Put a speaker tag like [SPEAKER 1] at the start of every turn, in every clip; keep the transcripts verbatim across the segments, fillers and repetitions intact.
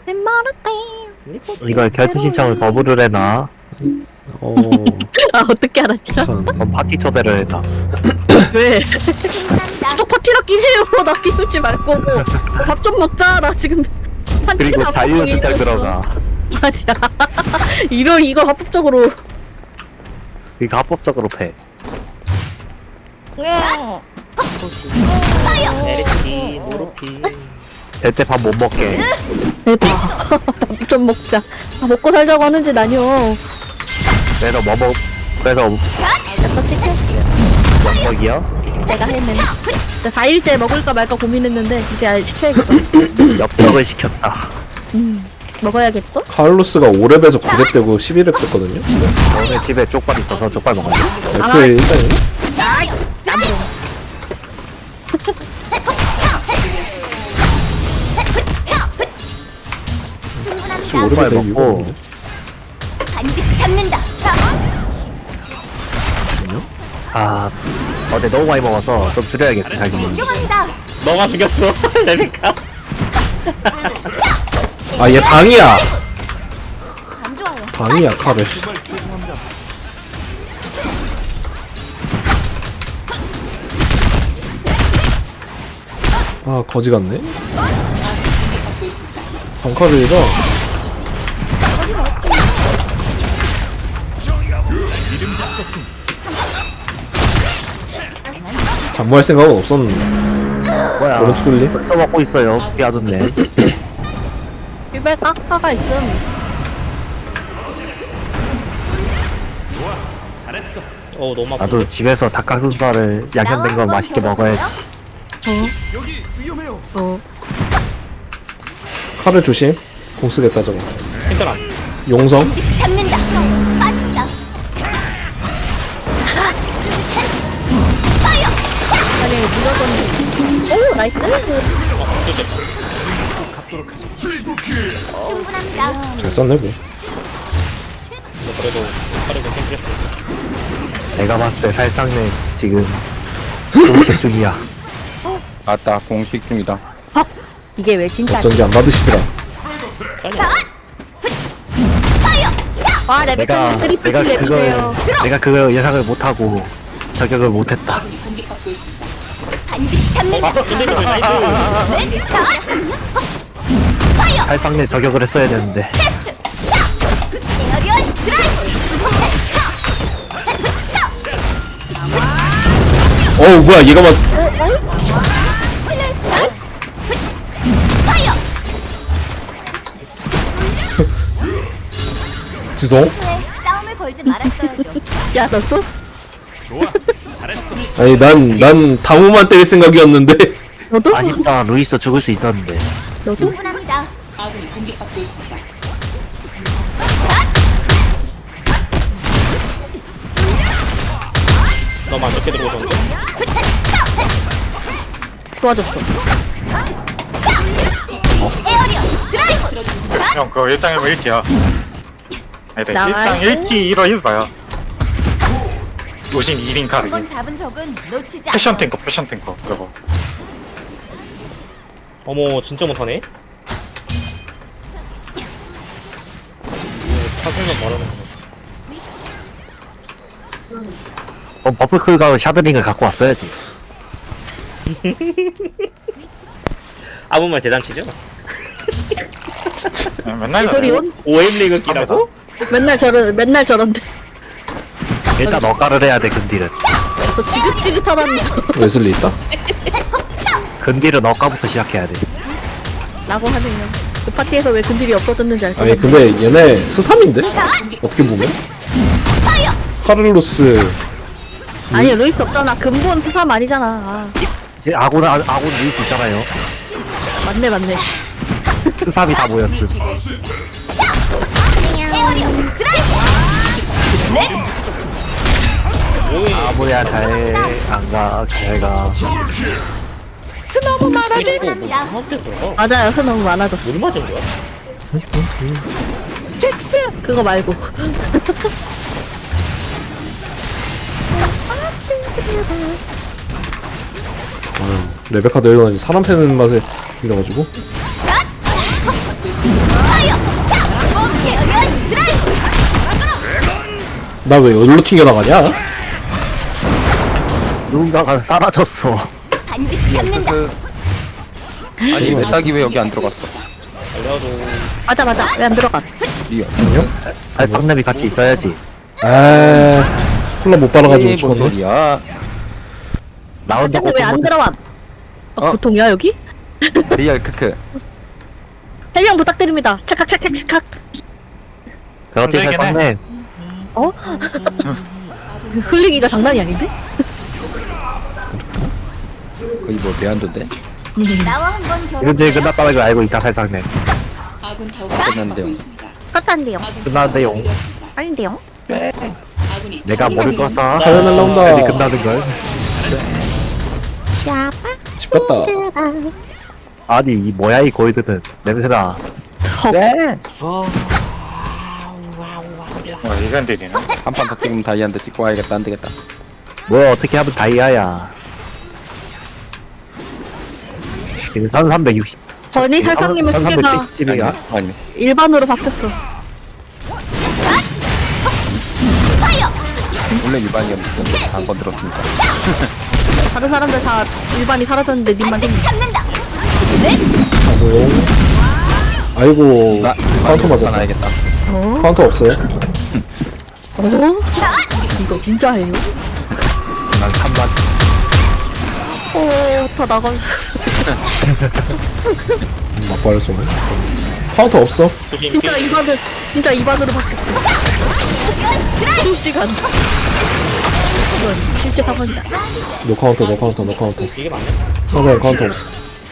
[SPEAKER 1] 이걸 결투 신청을 거부를 해놔.
[SPEAKER 2] 어.
[SPEAKER 3] 아 어떻게 알았죠?
[SPEAKER 2] 우선
[SPEAKER 1] 그럼 파티 초대를 해놔.
[SPEAKER 3] 왜? 또 파티라 끼세요. 나 끼우지 말고 밥 좀 먹자. 나 지금
[SPEAKER 1] 그리고 자유수장 들어가.
[SPEAKER 3] 아니야. 이런 이거 합법적으로.
[SPEAKER 1] 이거 합법적으로 패.
[SPEAKER 4] 에르치 모로피
[SPEAKER 1] 될 때 밥 못 먹게.
[SPEAKER 3] 대박. 밥 좀 먹자. 아, 먹고 살자고 하는지 나뇨.
[SPEAKER 1] 그래서 뭐 먹, 그래서
[SPEAKER 3] 약간 치킨?
[SPEAKER 1] 엽떡이요?
[SPEAKER 3] 내가 했는데. 사 일째 먹을까 말까 고민했는데 이제 아예 시켜야겠어.
[SPEAKER 1] 엽떡을 시켰다.
[SPEAKER 3] 음, 먹어야겠죠?
[SPEAKER 2] 카를로스가 오 렙에서 구 렙 되고 십일 렙 됐거든요.
[SPEAKER 1] 오늘 집에 족발 있어서 족발 먹었네.
[SPEAKER 2] 에프에 일단 오 렙이
[SPEAKER 1] 족발
[SPEAKER 2] 될 이유가
[SPEAKER 1] 먹고
[SPEAKER 2] 없네.
[SPEAKER 5] 반드시 잡는다.
[SPEAKER 1] 아 어제 너무 많이 먹어서 좀 줄여야겠어. 자기.
[SPEAKER 5] 존경합니다.
[SPEAKER 4] 너가 죽였어 레베카
[SPEAKER 2] 아, 얘 방이야.
[SPEAKER 5] 안 좋아요.
[SPEAKER 2] 방이야, 카를. 아, 거지 같네. 방카를이라. 잠무할 생각은 없었는데.
[SPEAKER 1] 뭐야?
[SPEAKER 2] 오른쪽 굴림?
[SPEAKER 1] 벌써 먹고 있어요. 비아줬네.
[SPEAKER 3] 일발 깎아가 있음.
[SPEAKER 4] 어 너무 아파
[SPEAKER 1] 나도 집에서 닭가슴살을 양념된 거 맛있게 먹어야지.
[SPEAKER 3] 어.
[SPEAKER 2] 칼을 조심. 공 쓰겠다, 저거.
[SPEAKER 4] 힘들어
[SPEAKER 2] 용성.
[SPEAKER 5] 잡는다. 빠진다.
[SPEAKER 3] 아니 무조건. 오 나이스.
[SPEAKER 5] 충분합니다.
[SPEAKER 2] 잘 썼네, 뭐.
[SPEAKER 4] 그래도 빠르고 땡겼어
[SPEAKER 1] 내가 봤을 때 살상내 지금 공식 중이야.
[SPEAKER 6] 아따 공식 중이다.
[SPEAKER 3] 이게 왜 진짜?
[SPEAKER 2] 어쩐지 안 받으시더라.
[SPEAKER 3] 와
[SPEAKER 1] 내가
[SPEAKER 3] 레베카 트리플
[SPEAKER 1] 내가
[SPEAKER 3] 킬
[SPEAKER 1] 그걸
[SPEAKER 3] 해주세요.
[SPEAKER 1] 내가 그걸 예상을 못하고 저격을 못했다.
[SPEAKER 5] 반드시 잡는다.
[SPEAKER 4] 근데 나이스
[SPEAKER 1] 살상내 저격을 했어야 되는데.
[SPEAKER 5] 에어리얼 드라이브.
[SPEAKER 2] 어우, 뭐야, 얘가 막.
[SPEAKER 5] 실내차. 파이어.
[SPEAKER 2] 죄송.
[SPEAKER 5] 초에 싸움을 걸지 말았어야죠.
[SPEAKER 3] 야 너도?
[SPEAKER 2] 아니, 난, 난 다무만 때릴 생각이었는데.
[SPEAKER 3] 너도?
[SPEAKER 1] 아쉽다. 루이스 죽을 수 있었는데.
[SPEAKER 3] 너도?
[SPEAKER 5] 충분합니다.
[SPEAKER 4] 너무 안 좋게 들어오던데
[SPEAKER 3] 도와줬어.
[SPEAKER 5] 에어리얼 드라이브.
[SPEAKER 7] 형 그거 일 장 일 부 일 기야 아니다
[SPEAKER 3] 나와야지.
[SPEAKER 7] 일 장 일 기 일 화 일 봐야 노신 이 인 카르기
[SPEAKER 5] 한번 잡은 적은 놓치지
[SPEAKER 7] 패션
[SPEAKER 5] 않아.
[SPEAKER 7] 탱커 패션 탱커 그거
[SPEAKER 4] 어머 진짜 못하네 사생만 말하는 거
[SPEAKER 1] 어, 버플클과 샤드링을 갖고 왔어야지.
[SPEAKER 4] 아무 말 대단치죠?
[SPEAKER 7] 야, 맨날 그래.
[SPEAKER 3] 소리온?
[SPEAKER 4] 오엠 리그 끼라고?
[SPEAKER 3] 맨날 저런 맨날 저런데.
[SPEAKER 1] 일단 너가를 해야 돼. 근딜은.
[SPEAKER 3] 저 지긋지긋하다는 저.
[SPEAKER 2] 웨슬리 있다?
[SPEAKER 1] 근딜은 너가부터 시작해야 돼.
[SPEAKER 3] 라고 하네요. 그 파티에서 왜 근딜이 없어졌는지 알 것
[SPEAKER 2] 아니,
[SPEAKER 3] 같네.
[SPEAKER 2] 근데 얘네 스삼인데? 어떻게 보면? 카를로스.
[SPEAKER 3] 아니 루이스 없잖아. 근본 수삼 아니잖아. 아,
[SPEAKER 1] 이제 아군 아, 아군 루이스 있잖아요.
[SPEAKER 3] 맞네 맞네.
[SPEAKER 1] 스삼이 다 모였음.
[SPEAKER 5] 에어리얼 드라이브.
[SPEAKER 1] 아무야 잘안가 잘가.
[SPEAKER 3] 스노우 많아지.
[SPEAKER 5] 충분합니다.
[SPEAKER 4] 합쳤어
[SPEAKER 3] 맞아요. 스 너무 많아졌어.
[SPEAKER 4] 뭘 맞은 거야?
[SPEAKER 3] 잭스 그거 말고.
[SPEAKER 2] 아유, 레베카 내려가니 사람 패는 맛에 이래가지고. 나 왜 여기로 튕겨나가냐?
[SPEAKER 1] 누군가가 사라졌어.
[SPEAKER 5] 반드시 잡는다.
[SPEAKER 6] 그... 아니 내 딱이 왜 여기 안 들어갔어?
[SPEAKER 4] 알려줘.
[SPEAKER 3] 맞아 맞아 왜 안 들어가?
[SPEAKER 6] 리얼.
[SPEAKER 1] 발상랩이 같이 있어야지.
[SPEAKER 2] 아 콜라 못 빨아가지고
[SPEAKER 6] 에이, 뭔
[SPEAKER 2] 죽었네.
[SPEAKER 6] 소리야?
[SPEAKER 1] 나온다고
[SPEAKER 3] 왜안
[SPEAKER 1] 또
[SPEAKER 3] 들어와? 어,
[SPEAKER 6] 어.
[SPEAKER 3] 고통이야 여기?
[SPEAKER 6] 리얼 크크.
[SPEAKER 3] 해명 부탁드립니다. 착각 착각 착각.
[SPEAKER 1] 그렇지
[SPEAKER 7] 되긴 해.
[SPEAKER 1] 발상랩.
[SPEAKER 3] 어? 그 흘리기가 장난이 아닌데?
[SPEAKER 6] 거의 뭐 대안도인데?
[SPEAKER 5] 나와 한번 결혼.
[SPEAKER 1] 이건 저희 끝났다는 걸 알고 있다 발상랩.
[SPEAKER 6] 끝났는데요.
[SPEAKER 3] 끝났는데요.
[SPEAKER 1] 끝났는데요.
[SPEAKER 3] 아닌데요?
[SPEAKER 1] 내가 모를 거다.
[SPEAKER 2] 사연 날라온다.
[SPEAKER 1] 빨리 끝나는 걸.
[SPEAKER 2] 집 갔다.
[SPEAKER 1] 아니 이 뭐야 이 골드는 냄새나.
[SPEAKER 7] 와 이건 되네.
[SPEAKER 6] 한 판 더 찍으면 다이아한테 찍고 와야겠다. 안 되겠다.
[SPEAKER 1] 뭐 어떻게 하면 다이아야. 지금 천삼백육십.
[SPEAKER 3] 전이 살상님의 소개가
[SPEAKER 1] 천삼백칠십이야.
[SPEAKER 6] 아니
[SPEAKER 3] 일반으로 바뀌었어.
[SPEAKER 6] 원래 일반이었는데 한번 들었으니까.
[SPEAKER 3] 다른 사람들 다 일반이 사라졌는데 님만
[SPEAKER 5] 반드시
[SPEAKER 3] 생긴.
[SPEAKER 5] 잡는다.
[SPEAKER 2] 아이고
[SPEAKER 6] 나
[SPEAKER 2] 카운터 맞았다.
[SPEAKER 6] 나야겠다.
[SPEAKER 3] 어?
[SPEAKER 2] 카운터 없어요?
[SPEAKER 3] 어? 이거 진짜 해요?
[SPEAKER 1] 난 삼만.
[SPEAKER 3] 어, 다 나가.
[SPEAKER 2] 막발을 쏘네. 카운터 없어.
[SPEAKER 4] 조심.
[SPEAKER 3] 진짜 이반을 진짜 이반으로 바뀌었어. 실시간. 이건 실제 상황이다.
[SPEAKER 2] 노 카운터 노 카운터 노 카운터.
[SPEAKER 4] 이게 맞네.
[SPEAKER 2] 상대 카운터 없어.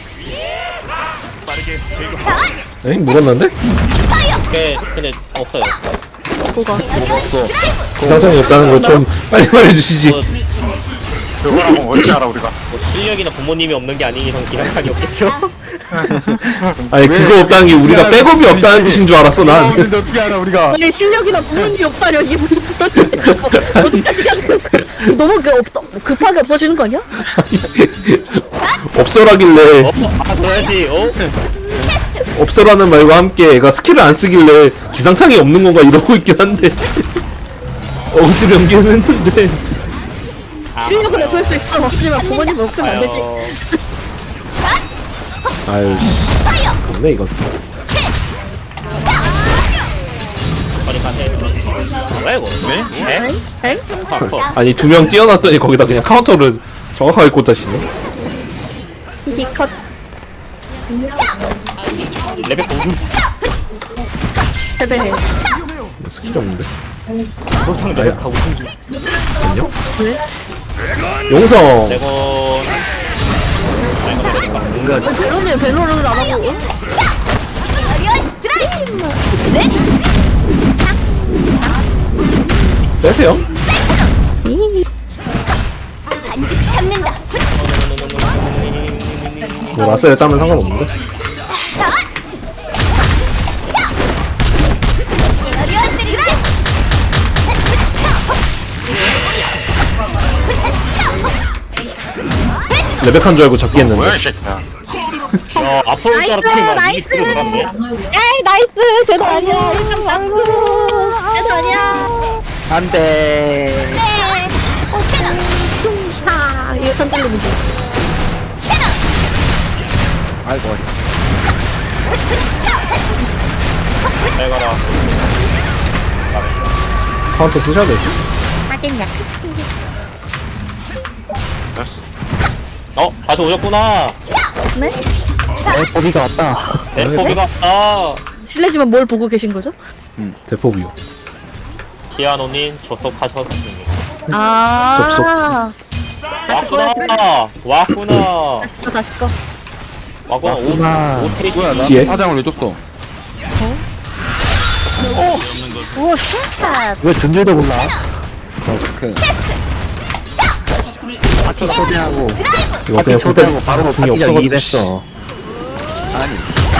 [SPEAKER 2] 에이 물었는데?
[SPEAKER 4] 꽤 근데 없어요.
[SPEAKER 3] 뭐가?
[SPEAKER 2] 기상청이 없다는 걸 좀 빨리 말해주시지.
[SPEAKER 4] 뭐,
[SPEAKER 7] 그거라고 어찌 알아 우리가?
[SPEAKER 4] 뭐 실력이나 부모님이 없는 게 아닌 이상 기량상이 없겠죠.
[SPEAKER 2] 아니 그거 없다는 게 우리가 백업이 없다는 뜻인 줄 알았어 난.
[SPEAKER 6] 근데 어떻게 알아 우리가?
[SPEAKER 3] 아니 실력이나 부모님이 없다려 이게 무슨 소리야? 어디까지 가는 거야? 너무 그 없어 급하게 없어지는 거 아니야?
[SPEAKER 2] 없어라길래
[SPEAKER 4] 어? 아 그래야지. 어?
[SPEAKER 2] 없어라는 말과 함께 애가 스킬을 안 쓰길래 기상창이 없는 건가 이러고 있긴 한데 어거지 연기는 했는데
[SPEAKER 4] 아,
[SPEAKER 3] 실력은 없을 수 있어 없지만 부모님 없으면 안 되지.
[SPEAKER 2] 아유 씨 맞네 이거.
[SPEAKER 4] 머리 반대. 뭐야 이거? 네? 네?
[SPEAKER 3] 엥?
[SPEAKER 4] 아, 커.
[SPEAKER 2] 아니 두 명 뛰어났더니 거기다 그냥 카운터를 정확하게 꽂아시네.
[SPEAKER 3] 히컷.
[SPEAKER 4] 레벨 공중.
[SPEAKER 3] 패배해.
[SPEAKER 2] 스킬이 없는데.
[SPEAKER 4] 보통 레벨 다 우승 중.
[SPEAKER 2] 안녕?
[SPEAKER 3] 왜?
[SPEAKER 2] 용성
[SPEAKER 4] 레건.
[SPEAKER 1] 뭔가
[SPEAKER 3] 벨로는 벨로를 안 하고. 응?
[SPEAKER 5] 에어리얼 드라이브.
[SPEAKER 2] 빼세요.
[SPEAKER 5] 반드시 잡는다.
[SPEAKER 2] 뭐 라스에 따면 상관없는데.
[SPEAKER 5] 에어리얼 드라이브.
[SPEAKER 2] 레벨칸 줄 알고 잡기 했는데.
[SPEAKER 7] 뭐야 이 새끼야?
[SPEAKER 4] 야 앞으로 따라 이미 뒤로 돌았네.
[SPEAKER 3] 에이 나이스 쟤도 아니야. 아이고 쟤도 아니야.
[SPEAKER 6] 안돼.
[SPEAKER 5] 네.
[SPEAKER 3] 아 이거 천달러이지.
[SPEAKER 6] 아이고 어디.
[SPEAKER 4] 잘 가라.
[SPEAKER 2] 카운터 쓰셔야 되지.
[SPEAKER 3] 하겠냐?
[SPEAKER 4] 어 다시 오셨구나.
[SPEAKER 3] 네?
[SPEAKER 1] 에포비가 왔다.
[SPEAKER 4] 에포비가 왔다.
[SPEAKER 3] 실례지만 뭘 보고 계신 거죠?
[SPEAKER 2] 대포비요.
[SPEAKER 4] 기아노님 접속하셨습니다.
[SPEAKER 3] 아.
[SPEAKER 4] 왔구나. 왔구나.
[SPEAKER 3] 다시 거 다시 거.
[SPEAKER 4] 왔구나.
[SPEAKER 1] 왔구나.
[SPEAKER 4] 오 오테이지.
[SPEAKER 6] 뭐야 나
[SPEAKER 2] 뒤에?
[SPEAKER 6] 화장을 왜 줬어?
[SPEAKER 3] 오 쉣.
[SPEAKER 1] 왜 준줄도 몰라?
[SPEAKER 6] 그
[SPEAKER 1] 파티 초대하고
[SPEAKER 2] 이거
[SPEAKER 1] 파티
[SPEAKER 2] 그냥
[SPEAKER 1] 초대하고 바로
[SPEAKER 2] 궁이
[SPEAKER 1] 파티가
[SPEAKER 2] 없어가지고.
[SPEAKER 1] 이입했어.
[SPEAKER 6] 아니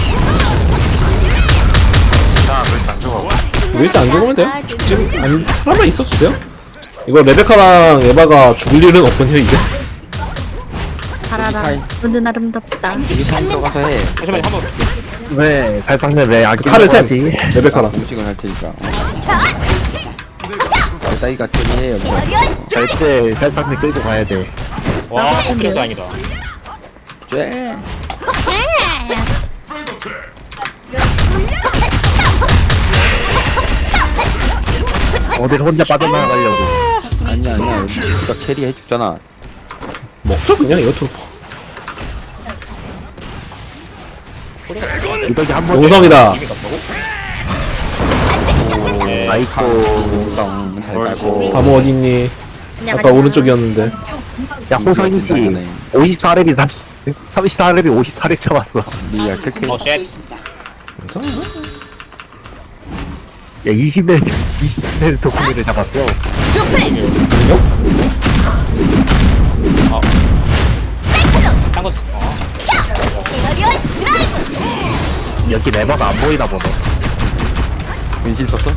[SPEAKER 7] 자 그래서 안 죽어.
[SPEAKER 2] 웨이스 안 죽으면 돼요. 지금 아니 사람만 있어주세요. 이거 레베카랑 에바가 죽을 일은 없군요 이제.
[SPEAKER 3] 바라라.
[SPEAKER 6] 사이.
[SPEAKER 3] 눈은 아름답다.
[SPEAKER 6] 여기 산 들어가서 해.
[SPEAKER 4] 잠시만요 한번.
[SPEAKER 1] 왜 발상랩 왜 아끼는
[SPEAKER 2] 칼을 샘.
[SPEAKER 1] 거지?
[SPEAKER 2] 레베카랑.
[SPEAKER 6] 음식을 할 테니까. 따위가 캐리해요. 뭐.
[SPEAKER 5] 에어리얼
[SPEAKER 1] 절대 살상대 끌고 가야 돼.
[SPEAKER 4] 와 그래도 아니다.
[SPEAKER 6] 쟤.
[SPEAKER 1] 어딜 혼자 빠져나가려고.
[SPEAKER 6] 아니야 아니야. 우리가 캐리 해주잖아.
[SPEAKER 2] 먹죠 그냥 이거 트루퍼.
[SPEAKER 1] 이덕이 한 번.
[SPEAKER 2] 용성이다.
[SPEAKER 4] 네.
[SPEAKER 1] 아이코.
[SPEAKER 6] 웅성 잘 가고.
[SPEAKER 2] 바모 어딨니? 아까 오른쪽이었는데.
[SPEAKER 1] 야, 호성이지. 오십사 렙이 삼십, 삼십사 렙이 오십사 렙 잡았어.
[SPEAKER 6] 리얼 특혜.
[SPEAKER 4] 어 쉣.
[SPEAKER 2] 괜찮아?
[SPEAKER 1] 야, 이십 렙, 이십 렙 도쿠미를 잡았어.
[SPEAKER 4] 딴거 어.
[SPEAKER 5] 에어리얼 드라이브
[SPEAKER 1] 여기 레버가 안 보이나 보네.
[SPEAKER 6] 은신 썼어?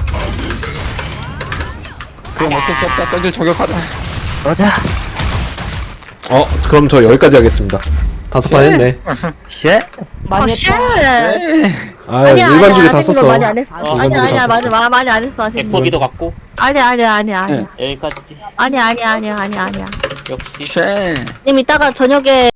[SPEAKER 6] 그럼 어쩔 수 없다. 던져 저격하자.
[SPEAKER 1] 맞아.
[SPEAKER 2] 어 그럼 저 여기까지 하겠습니다. 다섯 판 했네.
[SPEAKER 1] 쉣?
[SPEAKER 3] 아, 쉣.
[SPEAKER 2] 아
[SPEAKER 3] 아니야,
[SPEAKER 2] 일반적이
[SPEAKER 3] 아니야,
[SPEAKER 2] 다
[SPEAKER 3] 아직은
[SPEAKER 2] 썼어.
[SPEAKER 3] 많이 안 했어.
[SPEAKER 4] 어,
[SPEAKER 3] 아니야, 아니야,
[SPEAKER 2] 다
[SPEAKER 3] 맞아,
[SPEAKER 2] 썼어.
[SPEAKER 3] 마- 많이 안 했어. 아직.
[SPEAKER 4] 에포기도 갖고
[SPEAKER 3] 아니야, 아니야, 아니야, 아니야.
[SPEAKER 4] 여기까지지.
[SPEAKER 3] 아니야, 아니야, 아니야, 아니야, 아니야.
[SPEAKER 4] 역시.
[SPEAKER 6] 쟤.
[SPEAKER 3] 님 이따가 저녁에